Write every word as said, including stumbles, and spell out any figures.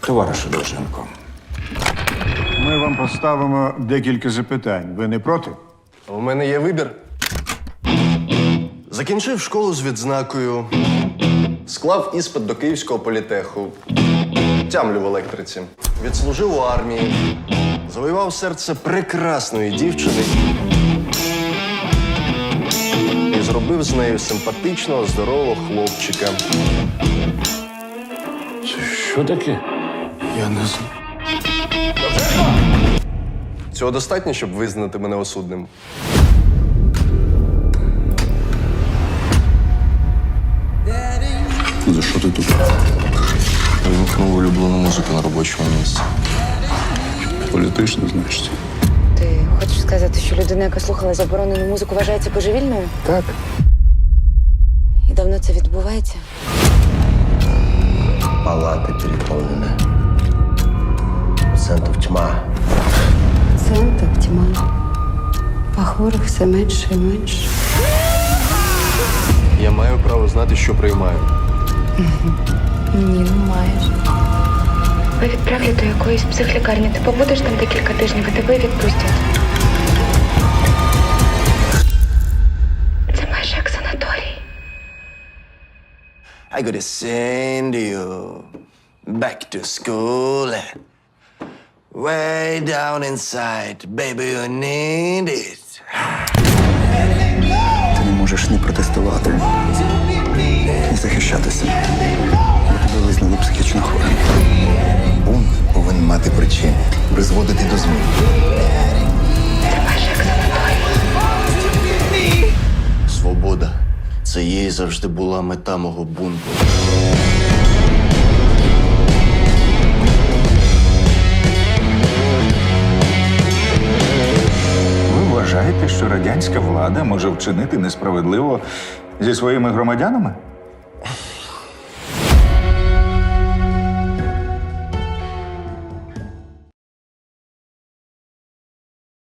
Товаришу Довженко, Ми вам поставимо декілька запитань. Ви не проти? У мене є вибір. Закінчив школу з відзнакою, склав іспит до Київського політеху, тямлю в електриці, відслужив у армії, завоював серце прекрасної дівчини і зробив з нею симпатичного, здорового хлопчика. що таке? Я не знаю. Цього достатньо, щоб визнати мене осудним. За що ти тут? Вимкнув улюблену музику на робочому місці. Політично, значить. Ти хочеш сказати, що людина, яка слухала заборонену музику, вважається божевільною? Так. І давно це відбувається? Палаты переполнены. Пациентов тьма. Пацієнтів тьма, а хворих все менше і менше. Я маю право знати, що приймаю. Ні, не маєш. Ви відправлять до якоїсь психлікарні. Ти побудеш там декілька тижнів, і тебе відпустять. Це майже як санаторій. I gotta send you back to school. Way down inside, baby, you need it. Ти не можеш ні протестувати, ні захищатися. Бо тебе визнали психічно хворим. Бунт повинен мати причини, призводити до змін. Це майже як санаторій. Свобода. Це їй завжди була мета мого бунту. Ви вважаєте, що радянська влада може вчинити несправедливо зі своїми громадянами?